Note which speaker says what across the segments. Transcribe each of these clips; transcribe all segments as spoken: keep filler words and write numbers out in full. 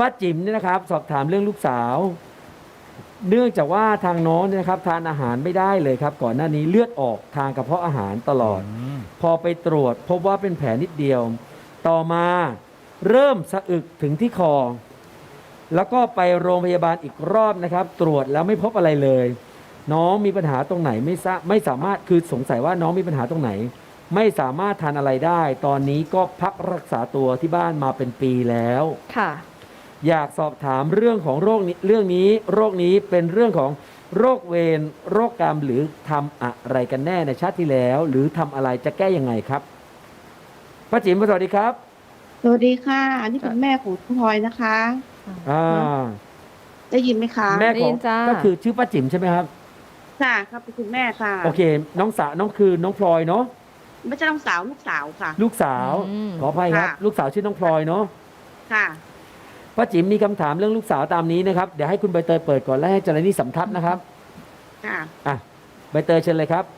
Speaker 1: ป้าจิ๋มเนี่ยนะครับสอบถามเรื่องลูกสาว เนื่องจากว่าทางน้องเนี่ยนะครับทานอาหารไม่ได้เลยครับ ก่อนหน้านี้เลือดออกทางกระเพาะอาหารตลอด
Speaker 2: อืม
Speaker 1: พอไปตรวจพบว่าเป็นแผลนิดเดียว ต่อมาเริ่มสะอึกถึงที่คอ แล้วก็ไปโรงพยาบาลอีกรอบนะครับ ตรวจแล้วไม่พบอะไรเลย น้องมีปัญหาตรงไหนไม่ทราบไม่สามารถคือสงสัยว่าน้องมีปัญหาตรงไหน ไม่สามารถทานอะไรได้ ตอนนี้ก็พักรักษาตัวที่บ้านมาเป็นปีแล้ว
Speaker 3: ค่ะ
Speaker 1: อยากสอบถามเรื่องของโรคนี้เรื่องนี้โรคนี้เป็นเรื่องของโรคเวรโรคกรรมหรือทำอะไรกันแน่ในชาติที่แล้ว หรือทำอะไรจะแก้ยังไงครับป้าจิ๋มสวัสดีครับ
Speaker 4: สวัสดีค่ะ อันนี้เป็นแม่ของคุณพลอยนะคะ
Speaker 1: อ่า
Speaker 4: ได้ยินไหมคะ
Speaker 1: แม่
Speaker 3: ได้
Speaker 1: ข
Speaker 3: ยิ
Speaker 1: อง
Speaker 3: นจ้า
Speaker 1: ก็คือชื่อป้าจิ๋มใช่ไหมครับ
Speaker 4: ค่ะครับเป็นคุณแม่ค่ะ
Speaker 1: โอเค น้องสาวน้องคือน้องพลอยเนาะ
Speaker 4: ไม่ใช่น้องสาวลูกสาวค่ะ
Speaker 1: ลูกสาว
Speaker 3: อืม
Speaker 1: ขออภัยครับ
Speaker 4: ค่ะ
Speaker 1: ลูกสาวชื่อน้องพลอยเนาะ
Speaker 4: ค่ะ
Speaker 1: ป้าจิ๋มมีคำถามเรื่องลูกสาวตามนี้นะครับเดี๋ยวให้คุณใบเตยเปิดก่อนแล้วให้จารณีสัมทัศน์นะครับ
Speaker 4: ค่ะ
Speaker 1: อ่ะใบเตยเชิญเลยครับ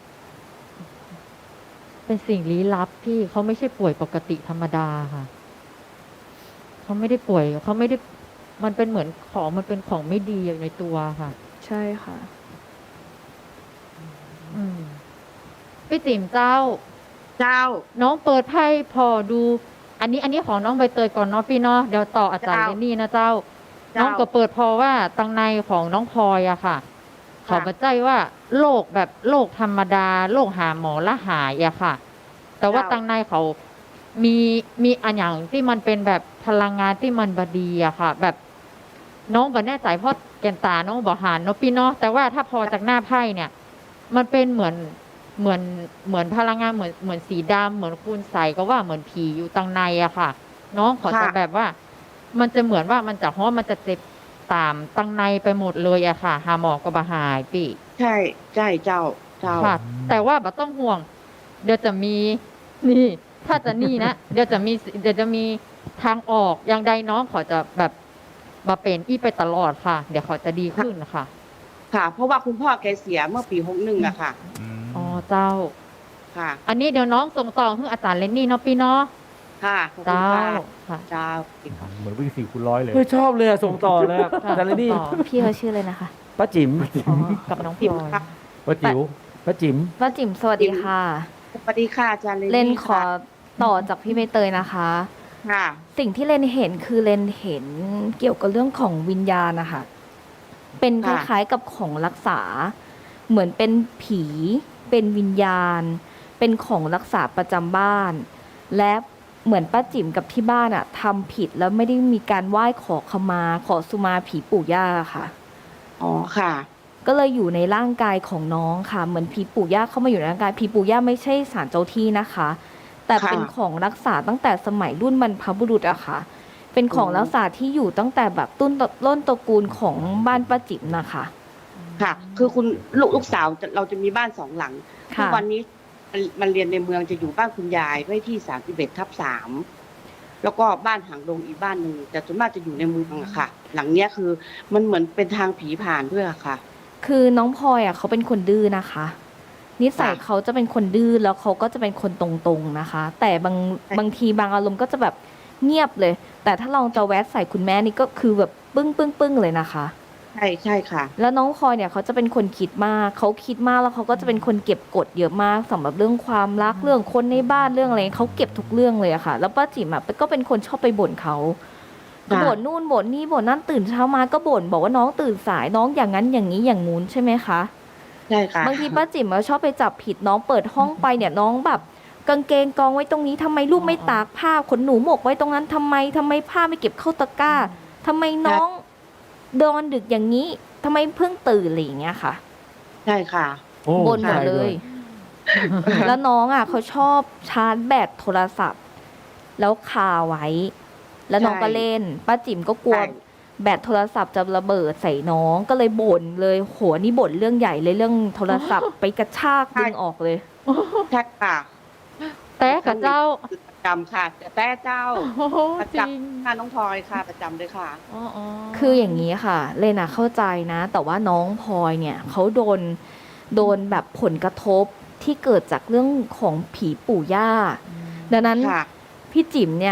Speaker 5: เป็นสิ่งลี้ลับพี่เขาไม่ใช่ป่วยปกติธรรมดาค่ะเขาไม่ได้ป่วยเขาไม่ได้มันเป็นเหมือนของมันเป็นของไม่ดีอยู่ในตัวค่ะ
Speaker 3: ใช่ค่ะ
Speaker 5: อืมพี่ติ๋มเจ้า
Speaker 4: เจ้า
Speaker 5: น้องเปิดไพ่พอดู อันนี้ อันนี้ของน้องใบเตยก่อนเนาะพี่เนาะเดี๋ยวต่ออาจารย์
Speaker 4: เจ้า
Speaker 5: เรนนี่นะเจ้า
Speaker 4: เจ้า
Speaker 5: น้องก็เปิดพอว่าตังในของน้องพลอยอะค่ะ เขามาใจว่าโรคแบบโรคธรรมดาโรคหาหมอละหายอะค่ะ แต่ว่า
Speaker 4: เจ้า
Speaker 5: ตังในเขามีมีอันอย่างที่มันเป็นแบบพลังงานที่มันบดีอะค่ะ แบบน้องบ่แน่ใจเพราะแกนตาน้องบ่หานเนาะพี่เนาะแต่ว่าถ้าพอจากหน้าไพ่เนี่ย มันเป็นเหมือนเหมือนเหมือนพลังงานเหมือนเหมือนสีดำเหมือนคูณใสก็ว่าเหมือนผีอยู่ตังในอะค่ะ น้องขอจะ
Speaker 4: ค่ะ
Speaker 5: แบบว่า มันจะเหมือนว่ามันจะฮ้อมันจะเจ็บตามตังในไปหมดเลยอะค่ะ หาหมอก็บ่หายปี
Speaker 4: ใช่ใช่เจ้า เจ้า
Speaker 5: ค่ะ แต่ว่าบ่ต้องห่วง เดี๋ยวจะมีนี่ ถ้าจะนี่นะ เดี๋ยวจะมีเดี๋ยวจะมีทางออกอย่างใดน้องขอจะแบบมาเป็นอี้ไปตลอดค่ะ เดี๋ยวเขาจะดีขึ้นค่ะ
Speaker 4: ค่ะ เพราะว่าคุณพ่อแกเสียเมื่อปีหกหนึ่งอะค่ะ
Speaker 2: อืม
Speaker 5: อ๋อเจ้า
Speaker 4: ค่ะ
Speaker 5: อันนี้เดี๋ยวน้องส่งต่อให้อาจารย์เลนนี่เนาะพี่เนาะ
Speaker 4: ค่ะขอบคุณ
Speaker 5: เจ้า
Speaker 4: ค่ะ
Speaker 5: ค่ะ
Speaker 4: เจ้า
Speaker 2: เหมือนวิ่งสี่คูณร้อยเลย
Speaker 1: เฮ้ยชอบเลยอะส่งต่อเลยอะ
Speaker 5: ค่ะ
Speaker 1: จารณี
Speaker 5: ต่อ
Speaker 3: พี่เขาชื่อเลยนะคะ
Speaker 1: ป้าจิ๋ม
Speaker 5: อ๋อกับน้องพลอย
Speaker 2: ป้าจิ๋ว
Speaker 1: ป้าจิ๋ม
Speaker 3: ป้าจิ๋มสวัสดีค่ะ
Speaker 4: สวัสดีค่ะอาจารย์
Speaker 3: เลน
Speaker 4: นี่
Speaker 3: ขอต่อจากพี่ใบเตยนะคะ
Speaker 4: ค่ะ
Speaker 3: สิ่งที่เลนเห็นคือเลนเห็นเกี่ยวกับเรื่องของวิญญาณนะคะ เป็นค
Speaker 4: ค่ะ
Speaker 3: ล้ายๆกับของรักษา เหมือนเป็นผี เป็นวิญญาณ เป็นของรักษาประจำบ้าน และเหมือนป้าจิ๋มกับที่บ้านอะทำผิดแล้วไม่ได้มีการไหว้ขอขมา ขอสุมาผีปู่ย่าค่ะ
Speaker 4: อ๋อค่ะ
Speaker 3: ก็เลยอยู่ในร่างกายของน้องค่ะ เหมือนผีปู่ย่าเข้ามาอยู่ในร่างกายผีปู่ย่าไม่ใช่ศาลเจ้าที่นะคะ แต่
Speaker 4: ค่ะ
Speaker 3: เป็นของรักษาตั้งแต่สมัยรุ่นบรรพบุรุษอะค่ะ เป็นของ
Speaker 4: อืม
Speaker 3: รักษาที่อยู่ตั้งแต่แบบต้นต้นตระกูลของบ้านป้าจิ๋มนะคะ
Speaker 4: ค่ะ คือคุณลูกลูกสาวจะเราจะมีบ้านสองหลัง
Speaker 3: ค่ะ
Speaker 4: ทุกวันนี้มันมันเรียนในเมืองจะอยู่บ้านคุณยายไว้ที่สามสิบเอ็ดทับสามแล้วก็บ้านหางดงอีกบ้านหนึ่งแต่ส่วนมากจะอยู่ในเมืองอะค่ะ หลังเนี้ยคือมันเหมือนเป็นทางผีผ่านด้วยอะค่ะ
Speaker 3: คือน้องพลอยอะเขาเป็นคนดื้อนะคะ นิสัย
Speaker 4: ค่ะ
Speaker 3: เขาจะเป็นคนดื้อแล้วเขาก็จะเป็นคนตรงๆนะคะ แต่บาง
Speaker 4: ใช่
Speaker 3: บางทีบางอารมณ์ก็จะแบบเงียบเลย แต่ถ้าลองจะแวะใส่คุณแม่นี่ก็คือแบบปึ้งปึ้งปึ้งเลยนะคะ
Speaker 4: ใช่ใช่ค่ะ
Speaker 3: แล้วน้องพลอยเนี่ยเขาจะเป็นคนคิดมาก เขาคิดมากแล้วเขาก็จะเป็นคนเก็บกดเยอะมากสำหรับเรื่องความรักเรื่องคนในบ้านเรื่องอะไรเขาเก็บทุกเรื่องเลยอะค่ะ แล้วป้าจิ๋มอะก็เป็นคนชอบไปบ่นเขา
Speaker 4: ค่ะ
Speaker 3: บ่นนู่นบ่นนี่บ่นนั่นตื่นเช้ามาก็บ่นบอกว่าน้องตื่นสายน้องอย่างนั้นอย่างนี้อย่างงู้นใช่ไหมคะ
Speaker 4: ใช่ค่ะ
Speaker 3: บางทีป้าจิ๋มก็ชอบไปจับผิดน้องเปิดห้องไปเนี่ยน้องแบบกางเกงกองไว้ตรงนี้ทำไมลูกไม่ตากผ้าขนหนูหมกไว้ตรงนั้นทำไมทำไมผ้าไม่เก็บเข้าตะกร้าทำไมน้องดอนดึกอย่างนี้ทำไมเพิ่งตื่นอะไรอย่างเงี้ยค่ะ
Speaker 4: ใช่ค่ะ
Speaker 1: โอ้
Speaker 3: บ่นหมด
Speaker 1: ใช่
Speaker 3: เล
Speaker 1: ด้วย
Speaker 3: แล้วน้องอ่ะเขาชอบชาร์จแบตโทรศัพท์ แล้วคาไว้ แล้วน้อง
Speaker 4: ใช่
Speaker 3: ก็เล่นป้าจิ๋มก็กลัว
Speaker 4: ใช่
Speaker 3: แบตโทรศัพท์จะระเบิดใส่น้องก็เลยบ่นเลยโหนี่บ่นเรื่องใหญ่เลยเรื่องโทรศัพท์ ไปกระชากดึงออกเลย
Speaker 4: ใช่ค่ะ
Speaker 5: แต่กับเจ้า
Speaker 4: ประจำค่ะแต่แต่เจ้า
Speaker 5: โอ้โห
Speaker 4: ประ
Speaker 5: จ
Speaker 4: จ
Speaker 5: ริง
Speaker 4: ำค่ะน้องพลอยค่ะ ประจำเลยค่ะ
Speaker 5: อ๋ออ๋อ
Speaker 3: คืออย่างนี้ค่ะ เลน่ะเข้าใจนะ แต่ว่าน้องพลอยเนี่ยเขาโดนโดนแบบผลกระทบที่เกิดจากเรื่องของผีปู่ย่า ดังนั้น
Speaker 4: ค่ะ
Speaker 3: พี่จิ๋มเนี่ย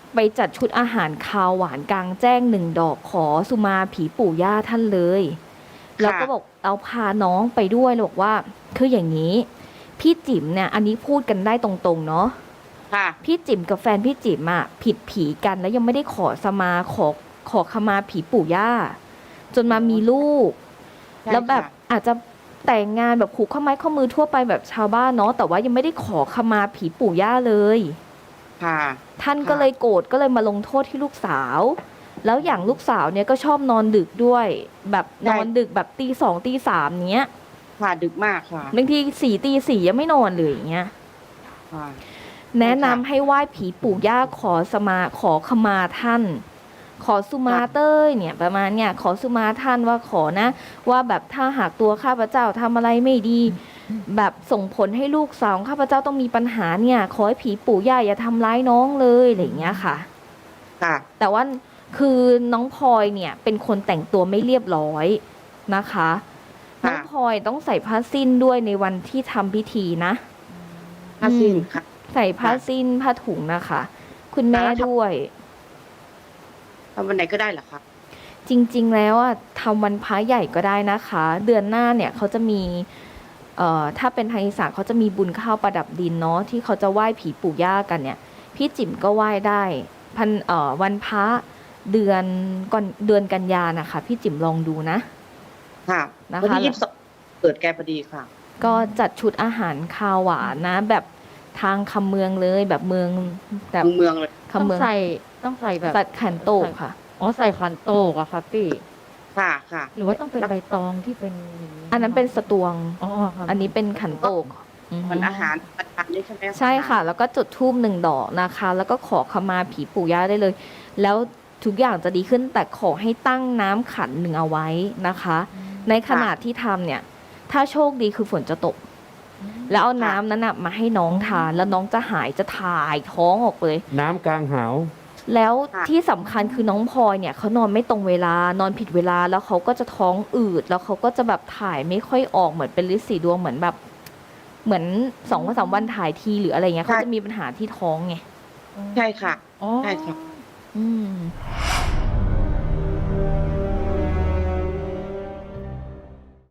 Speaker 3: ไปจัดชุดอาหารคาวหวานกลางแจ้งหนึ่งดอกขอสุมาผีปู่ย่าท่านเลยแล้วก็บอกเอาพาน้องไปด้วยแล้วบอกว่าคืออย่างนี้พี่จิ๋มเนี่ยอันนี้พูดกันได้ตรงๆเนาะ
Speaker 4: ค่ะ
Speaker 3: พี่จิ๋มกับแฟนพี่จิ๋มอะผิดผีกันแล้วยังไม่ได้ขอสมาขอขอขมาผีปู่ย่าจนมามีลูก
Speaker 4: ใช่
Speaker 3: แล้วแบบ
Speaker 4: ค่ะ
Speaker 3: อาจจะแต่งงานแบบผูกข้อไม้ข้อมือทั่วไปแบบชาวบ้านเนาะแต่ว่ายังไม่ได้ขอขมาผีปู่ย่าเลย
Speaker 4: ค่ะ
Speaker 3: ท่าน
Speaker 4: ค่ะ
Speaker 3: ก็เลยโกรธก็เลยมาลงโทษที่ลูกสาว แล้วอย่างลูกสาวเนี่ยก็ชอบนอนดึกด้วย แบบนอนดึกแบบตีสองตีสามเนี้ย
Speaker 4: ค่ะดึกมากค่ะ
Speaker 3: บางทีสี่ตีสี่ยังไม่นอนเลยอย่างเงี้ย
Speaker 4: ค่ะ
Speaker 3: แนะนำให้ไหว้ผีปู่ย่าขอสมาขอขมาท่าน ขอสุมาเต้ยเนี่ยประมาณเนี่ยขอสุมาท่านว่าขอนะ ว่าแบบถ้าหากตัวข้าพเจ้าทำอะไรไม่ดี แบบส่งผลให้ลูกสาวของข้าพเจ้าต้องมีปัญหาเนี่ย ขอให้ผีปู่ย่าอย่าทำร้ายน้องเลยอะไรอย่างเงี้ยค่ะ
Speaker 4: ค่ะ
Speaker 3: แต่ว่าคือน้องพลอยเนี่ยเป็นคนแต่งตัวไม่เรียบร้อยนะคะ
Speaker 4: ค่ะ
Speaker 3: น้องพลอยต้องใส่ผ้าสิ้นด้วยในวันที่ทำพิธีนะ
Speaker 4: ผ้าสิ้นค่ะ
Speaker 3: ใส่ผ้าสิ้นผ้าถุงนะคะ คุณแม่
Speaker 4: แล้วทำ
Speaker 3: ด้วย
Speaker 4: ทำวันไหนก็ได้เหรอคะ
Speaker 3: จริงๆแล้วอ่ะทำวันพระใหญ่ก็ได้นะคะ เดือนหน้าเนี่ยเขาจะมีเอ่อถ้าเป็นทางอีสานเขาจะมีบุญข้าวประดับดินเนาะที่เขาจะไหว้ผีปู่ย่ากันเนี่ย พี่จิ๋มก็ไหว้ได้พันเอ่อวันพระเดือนก่อนเดือนกันยานะคะ พี่จิ๋มลองดูนะ
Speaker 4: ค่ะ
Speaker 3: นะคะ
Speaker 4: วันที่ยี่สิบสองเกิดแกพอดีค่ะ
Speaker 3: ก็จัดชุดอาหารคาวหวานนะ แบบทางคำเมืองเลยแบบเมืองแบบ
Speaker 4: เมืองเลย
Speaker 3: คำเมือง
Speaker 5: ต้องใส่ต้องใส่แบบ
Speaker 3: สัตว์ขันโตกค่ะ
Speaker 5: อ๋อใส่ขันโตกอะค่ะพี่
Speaker 4: ค่ะค่ะ
Speaker 5: หรือว่าต้องเป็นใบตองที่เป็นย่าง
Speaker 3: อันนั้นเป็นสตวง
Speaker 5: อ๋อค่ะ
Speaker 3: อันนี้เป็นขันโตกอือฮึ
Speaker 4: มันอาหารประทานนี่ใช่ไหม
Speaker 3: ใช่ค่ะ แล้วก็จุดธูปหนึ่งดอกนะคะ แล้วก็ขอขมาผีปู่ย่าได้เลย แล้วทุกอย่างจะดีขึ้นแต่ขอให้ตั้งน้ำขันหนึ่งเอาไว้นะคะ ในขณะที่ทำเนี่ย ถ้าโชคดีคือฝนจะตก แล้วเอาน้ำนั้นนะมาให้น้องทาน แล้วน้องจะหายจะถ่ายท้องออกเลย
Speaker 1: น้ำกลางหาว
Speaker 3: แล้วที่สำคัญคือน้องพลอยเนี่ยเขานอนไม่ตรงเวลานอนผิดเวลาแล้วเขาก็จะท้องอืดแล้วเขาก็จะแบบถ่ายไม่ค่อยออกเหมือนเป็นฤทธิ์สีดวงเหมือนแบบ เหมือนสองวันสามวันถ่ายทีหรืออะไรเงี้ยเขาจะมีปัญหาที่ท้องไง
Speaker 4: ใช่ค่ะ
Speaker 5: อ๋อ
Speaker 4: ใช่ค่ะ
Speaker 3: อืม